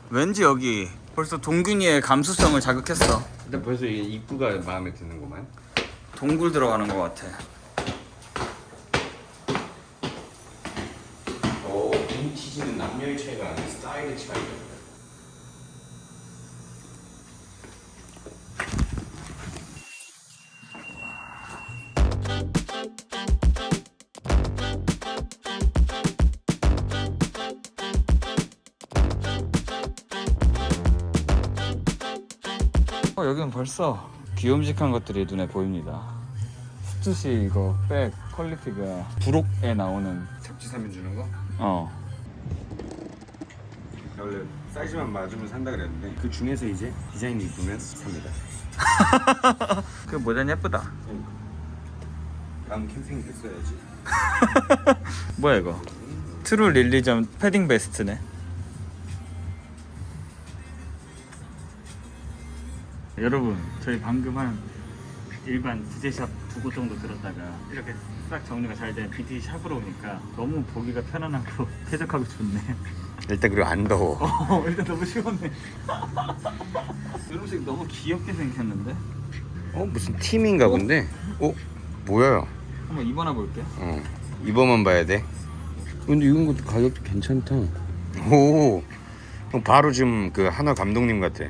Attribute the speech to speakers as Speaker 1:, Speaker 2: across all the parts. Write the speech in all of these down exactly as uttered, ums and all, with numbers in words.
Speaker 1: 왠지 여기 벌써 동균이의 감수성을 자극했어.
Speaker 2: 일단 벌써 이게 입구가 마음에 드는구만.
Speaker 1: 동굴 들어가는 것 같아.
Speaker 2: 오, 빈티지는 남녀의 차이가 아니라 스타일의 차이다.
Speaker 1: 어, 여기는 벌써 귀염직한 것들이 눈에 보입니다. 스투시 이거 백 퀄리티가 브록에 나오는.
Speaker 2: 잡지 사면 주는 거?
Speaker 1: 어.
Speaker 2: 원래 사이즈만 맞으면 산다 그랬는데 그 중에서 이제 디자인이 이쁘면 삽니다.
Speaker 1: 그 모자는 예쁘다.
Speaker 2: 다음 캠핑 때 써야지.
Speaker 1: 뭐야 이거? 트루 릴리전 패딩 베스트네. 여러분, 저희 방금 한 일반 디제이샵 두 곳 정도 들었다가 이렇게 싹 정리가 잘 된 빈티지 샵으로 오니까 너무 보기가 편안하고 쾌적하고 좋네.
Speaker 2: 일단 그리고 안 더워.
Speaker 1: 어, 일단 너무 시원해. 이름색 너무 귀엽게 생겼는데?
Speaker 2: 어 무슨 팀인가 본데? 어 뭐야?
Speaker 1: 한번 입어나 볼게.
Speaker 2: 어 이거만 봐야 돼. 근데 이건 것도 가격도 괜찮다. 오 바로 지금 그 한화 감독님 같아.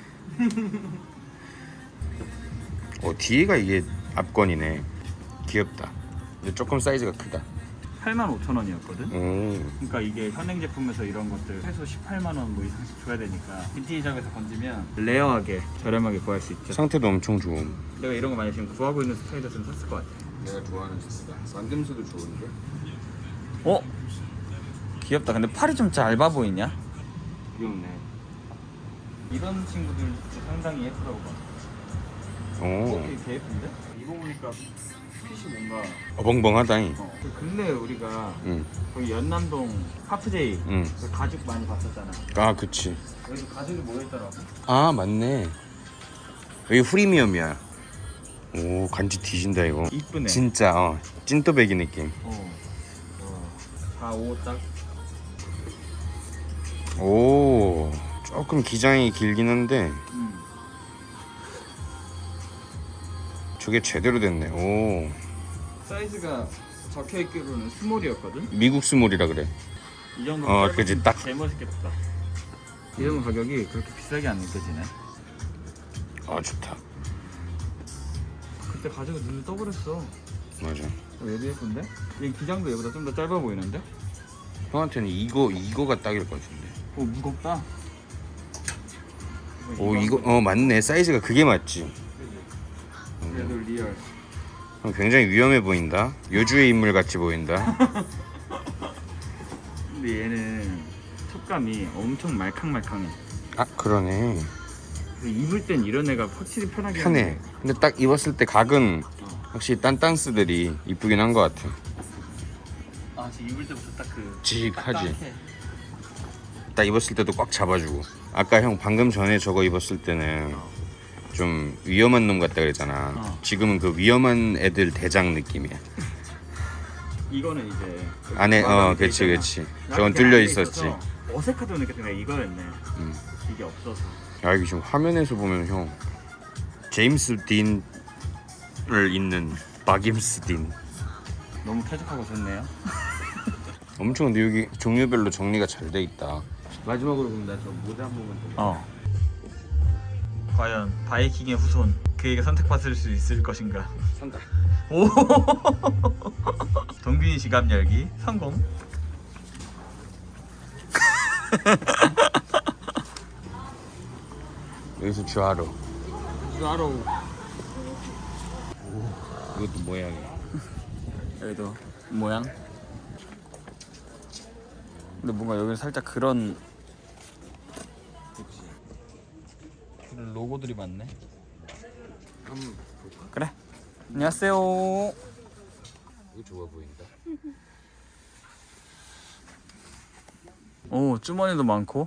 Speaker 2: 어 뒤에가 이게 앞건이네. 귀엽다. 근데 조금 사이즈가 크다.
Speaker 1: 팔만 오천 원이었거든?
Speaker 2: 오
Speaker 1: 그러니까 이게 현행 제품에서 이런 것들 최소 십팔만 원 뭐 이상씩 줘야 되니까 빈티지샵에서 건지면 레어하게 저렴하게 구할 수 있죠.
Speaker 2: 상태도 엄청 좋음.
Speaker 1: 내가 이런 거 많이 지금 구하고 있는 스타일이었으면 샀을 것 같아.
Speaker 2: 내가 좋아하는 제스다. 만듦새도 좋은데?
Speaker 1: 어? 귀엽다. 근데 팔이 좀 짧아 보이냐?
Speaker 2: 귀엽네.
Speaker 1: 이런 친구들 상당히 예쁘다고 봐.
Speaker 2: 오
Speaker 1: 어, 되게 예쁜데? 입어보니까 핏이 뭔가
Speaker 2: 어벙벙하다잉.
Speaker 1: 어, 그 근래 우리가
Speaker 2: 응.
Speaker 1: 거기 연남동 카프제이
Speaker 2: 응.
Speaker 1: 그 가죽 많이 봤었잖아.
Speaker 2: 아 그치.
Speaker 1: 여기 가죽이 모여있더라고.
Speaker 2: 아 맞네. 여기 프리미엄이야. 오 간지 뒤진다 이거.
Speaker 1: 이쁘네.
Speaker 2: 진짜 어 찐또배기 느낌.
Speaker 1: 어. 와. 다 오 딱.
Speaker 2: 오 조금 기장이 길긴 한데
Speaker 1: 음.
Speaker 2: 저게 제대로 됐네. 오
Speaker 1: 사이즈가 적혀있기로는 스몰이었거든?
Speaker 2: 미국 스몰이라 그래.
Speaker 1: 이 정도
Speaker 2: 어, 그치, 딱.
Speaker 1: 제일 멋있겠다. 이런 가격이 그렇게 비싸게 안 느껴지네.
Speaker 2: 아 좋다.
Speaker 1: 그때 가지고 눈을 떠버렸어.
Speaker 2: 맞아.
Speaker 1: 어, 얘도 예쁜데? 얘 기장도 얘보다 좀 더 짧아 보이는데?
Speaker 2: 형한테는 이거 이거가 딱일 것 같은데.
Speaker 1: 오 무겁다.
Speaker 2: 오 이거 어 맞네. 사이즈가 그게 맞지.
Speaker 1: 얘도 리얼.
Speaker 2: 어, 굉장히 위험해 보인다. 요주의 인물 같이 보인다.
Speaker 1: 근데 얘는 촉감이 엄청 말캉말캉해.
Speaker 2: 아 그러네.
Speaker 1: 그래서 입을 땐 이런 애가 확실히 편하게
Speaker 2: 편해.
Speaker 1: 하네.
Speaker 2: 근데 딱 입었을 때 각은
Speaker 1: 어.
Speaker 2: 확실히 딴딴스들이 이쁘긴 한 것 같아.
Speaker 1: 아 지금 입을 때부터 딱그
Speaker 2: 직하지. 딱 입었을 때도 꽉 잡아주고. 아까 형 방금 전에 저거 입었을 때는 좀 위험한 놈 같다 그랬잖아.
Speaker 1: 어.
Speaker 2: 지금은 그 위험한 애들 대장 느낌이야.
Speaker 1: 이거는 이제 그
Speaker 2: 안에 어
Speaker 1: 마감이 돼
Speaker 2: 그치
Speaker 1: 있잖아.
Speaker 2: 그치.
Speaker 1: 나는
Speaker 2: 저건
Speaker 1: 그게
Speaker 2: 뚫려
Speaker 1: 안에
Speaker 2: 있었지.
Speaker 1: 있어서 어색하다고 느꼈던 게 이거였네.
Speaker 2: 음.
Speaker 1: 이게 없어서.
Speaker 2: 야 이게 지금 화면에서 보면 형 제임스 딘을 잇는 박임스 딘.
Speaker 1: 너무 쾌적하고 좋네요.
Speaker 2: 엄청 근데 여기 종류별로 정리가 잘 돼 있다. 마지막으로 그럼 나 저 모자 한 번만 더.
Speaker 1: 어. 과연 바이킹의 후손 그에게 선택받을 수 있을 것인가?
Speaker 2: 산다.
Speaker 1: 오. 동균이 지갑 열기 성공.
Speaker 2: 여기서 주하로.
Speaker 1: 주하로.
Speaker 2: 이것도 모양이야.
Speaker 1: 여기도 모양. 근데 뭔가 여기는 살짝 그런 그런 로고들이 많네.
Speaker 2: 한번 볼까?
Speaker 1: 그래. 안녕하세요.
Speaker 2: 이거 좋아 보인다.
Speaker 1: 오 주머니도 많고.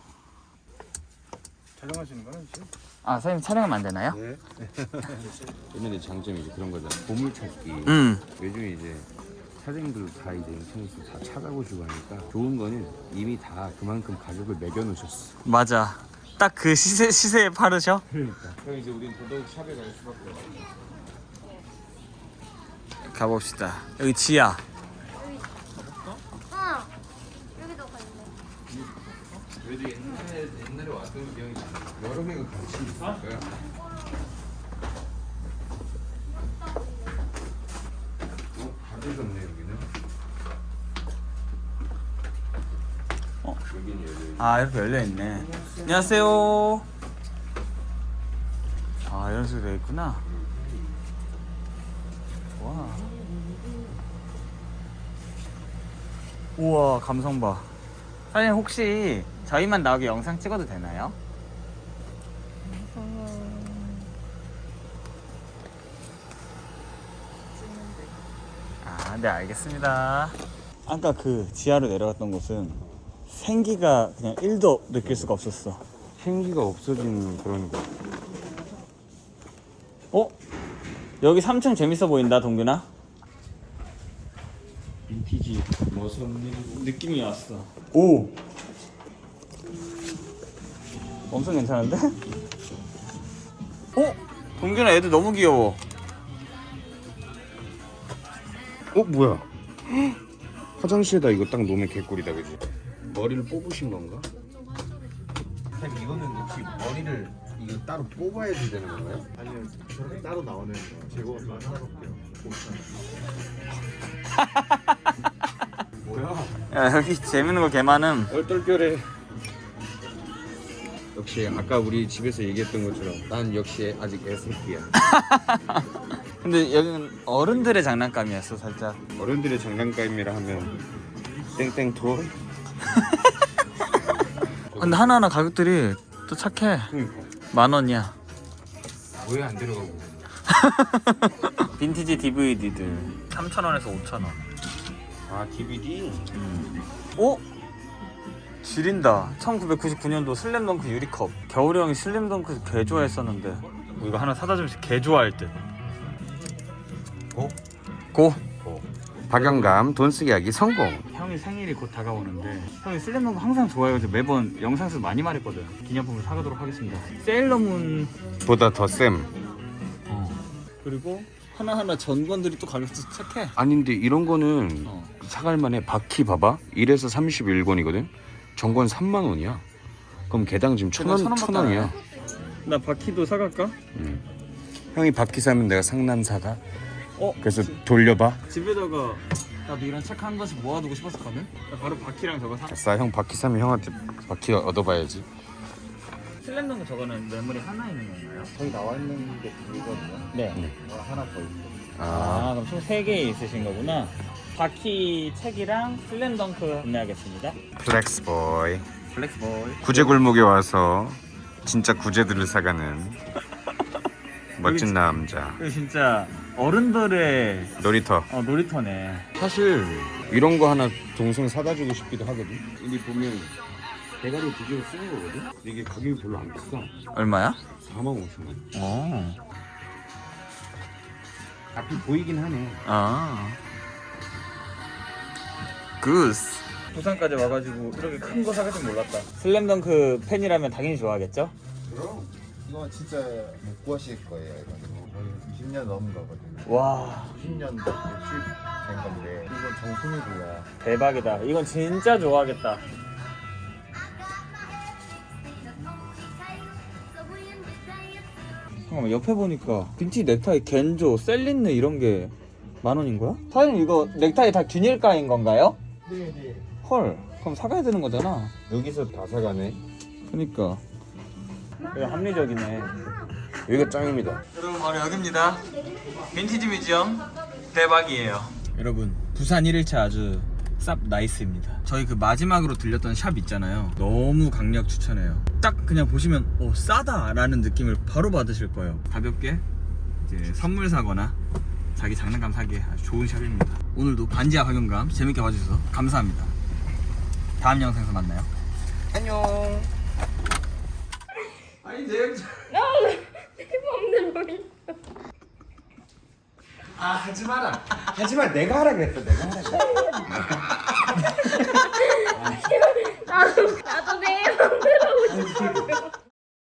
Speaker 2: 촬영하시는 거는 지금?
Speaker 1: 아 선생님 촬영하면 안 되나요?
Speaker 2: 네. 옛날에 장점이 이제 그런 거잖아. 보물 찾기.
Speaker 1: 음.
Speaker 2: 요즘 이제 사장님들도 다 이제 인터넷에서 다 찾아보시고 하니까 좋은 거는 이미 다 그만큼 가격을 매겨놓으셨어.
Speaker 1: 맞아. 딱 그 시세 시세에 파르셔?
Speaker 2: 그러니까. 그럼 이제 우린 더더욱 샵에 갈 수밖에 없어.
Speaker 1: 가봅시다. 여기 지하.
Speaker 3: 어. 여기도 갔네.
Speaker 2: 그래도 옛날에 옛날에 왔던 기억이 나. 여러 명이 같이 있을 거야. 어, 다들 졌네 여기는.
Speaker 1: 어?
Speaker 2: 여기는 여기.
Speaker 1: 아 이렇게 열려 있네. 안녕하세요. 아 이런 식으로 돼 있구나. 와. 우와 감성 봐. 사장님 혹시 저희만 나오게 영상 찍어도 되나요? 아, 네 알겠습니다. 아까 그 지하로 내려갔던 곳은 생기가 그냥 일도 느낄 수가 없었어.
Speaker 2: 생기가 없어지는 그런 거.
Speaker 1: 어? 여기 삼 층 재밌어 보인다 동균아.
Speaker 2: 빈티지 머선
Speaker 1: 느낌이 왔어. 오. 엄청 괜찮은데? 어? 동균아 애들 너무 귀여워.
Speaker 2: 어 뭐야? 화장실에다 이거 딱 놓으면 개꿀이다 그지? 머리를 뽑으신 건가? 형 이거는 혹시 머리를 이거 따로 뽑아야 되는 건가요?
Speaker 4: 아니요, 저렇게 따로 나오는 제거만 따로게요.
Speaker 2: 뭐야?
Speaker 1: 야 여기 재밌는 거 개 많음.
Speaker 2: 얼떨결에. 역시 아까 우리 집에서 얘기했던 것처럼 난 역시 아직 애새끼야.
Speaker 1: 근데 여기는 어른들의 장난감이었어 살짝.
Speaker 2: 어른들의 장난감이라 하면 땡땡 토이?
Speaker 1: 근데 하나하나 가격들이 또 착해.
Speaker 2: 그러니까
Speaker 1: 만 원이야.
Speaker 2: 왜 안 들어가고?
Speaker 1: 빈티지 디브이디들 삼천 원에서 오천 원.
Speaker 2: 아 디비디?
Speaker 1: 어? 지린다. 천구백구십구 년도 슬램덩크 유리컵. 겨울이 형이 슬램덩크 개 좋아했었는데 뭐 이거 하나 사다 주면 개 좋아할 듯.
Speaker 2: 고?
Speaker 1: 고.
Speaker 2: 박영감 돈 쓰기 하기 성공.
Speaker 1: 형이 생일이 곧 다가오는데 형이 슬램덩크 항상 좋아해가지고 매번 영상에서 많이 말했거든. 기념품을 사가도록 하겠습니다. 세일러문
Speaker 2: 보다 더 쌤.
Speaker 1: 어. 그리고 하나하나 전권들이 또 가격도 착해.
Speaker 2: 아닌데 이런 거는
Speaker 1: 어.
Speaker 2: 사갈만해. 바퀴 봐봐. 일에서 삼십일 권이거든. 전권 삼만 원이야. 그럼 개당 지금 천 원,
Speaker 1: 천
Speaker 2: 천
Speaker 1: 원밖에
Speaker 2: 원이야.
Speaker 1: 나 바퀴도 사갈까?
Speaker 2: 음. 형이 바퀴 사면 내가 상남 사다.
Speaker 1: 어?
Speaker 2: 그래서 돌려봐.
Speaker 1: 집에다가 나도 이런 책 한 권씩 모아두고 싶었었거든? 나 바로 바퀴랑 저거 사.
Speaker 2: 아싸 형 바퀴 사면 형한테 바퀴 얻어봐야지.
Speaker 1: 슬램덩크 저거는 메모리 하나 있는 건가요?
Speaker 4: 저기 나와 있는 게 둘이거든요.
Speaker 1: 네.
Speaker 4: 뭐 하나 더 있고.
Speaker 1: 아,
Speaker 2: 아
Speaker 1: 그럼 총 세 개 있으신 거구나. 바퀴 책이랑 슬램덩크 구매하겠습니다.
Speaker 2: 플렉스보이.
Speaker 1: 블랙볼.
Speaker 2: 구제 골목에 와서 진짜 구제들을 사가는 멋진 남자.
Speaker 1: 이거 진짜 어른들의
Speaker 2: 놀이터.
Speaker 1: 어, 놀이터네.
Speaker 2: 사실 이런 거 하나 동생 사다 주고 싶기도 하거든. 여기 보면 대가리 뒤집어 쓰는 거거든. 근데 이게 가격이 별로 안 비싸.
Speaker 1: 얼마야?
Speaker 2: 사만 오천 원.
Speaker 1: 어.
Speaker 2: 앞이 보이긴 하네.
Speaker 1: 아. 구스. 부산까지 와가지고 이렇게 큰 거 사갈 줄 몰랐다. 슬램덩크 팬이라면 당연히 좋아하겠죠?
Speaker 4: 그럼 이거 진짜 못 구하실 거예요. 이거 거의 이십 년 넘은 거거든요.
Speaker 1: 와,
Speaker 4: 구십 년도 출된 건데 이건 정품이고요.
Speaker 1: 대박이다. 이건 진짜 좋아하겠다. 잠깐만, 옆에 보니까 빈티 넥타이, 겐조, 셀린느 이런 게 만 원인 거야? 사장님 이거 넥타이 다 균일가인 건가요?
Speaker 4: 네네.
Speaker 1: 헐, 그럼 사가야 되는 거잖아.
Speaker 2: 여기서 다 사가네.
Speaker 1: 그니까 이거 합리적이네.
Speaker 2: 여기가 짱입니다.
Speaker 1: 여러분 바로 여기입니다. 빈티지 뮤지엄 대박이에요. 여러분 부산 일 일차 아주 쌉 나이스입니다. 저희 그 마지막으로 들렸던 샵 있잖아요. 너무 강력 추천해요. 딱 그냥 보시면 오 싸다 라는 느낌을 바로 받으실 거예요. 가볍게 이제 선물 사거나 자기 장난감 사기에 아주 좋은 샵입니다. 오늘도 반지하 박영감 재밌게 봐주셔서 감사합니다. 다음 영상에서 만나요. 안녕. 아니 내
Speaker 3: 내 맘대로
Speaker 2: 아 하지 마라. 하지 마. 내가 하라 그랬어. 내가 하라 그랬어.
Speaker 3: 나도 나도 내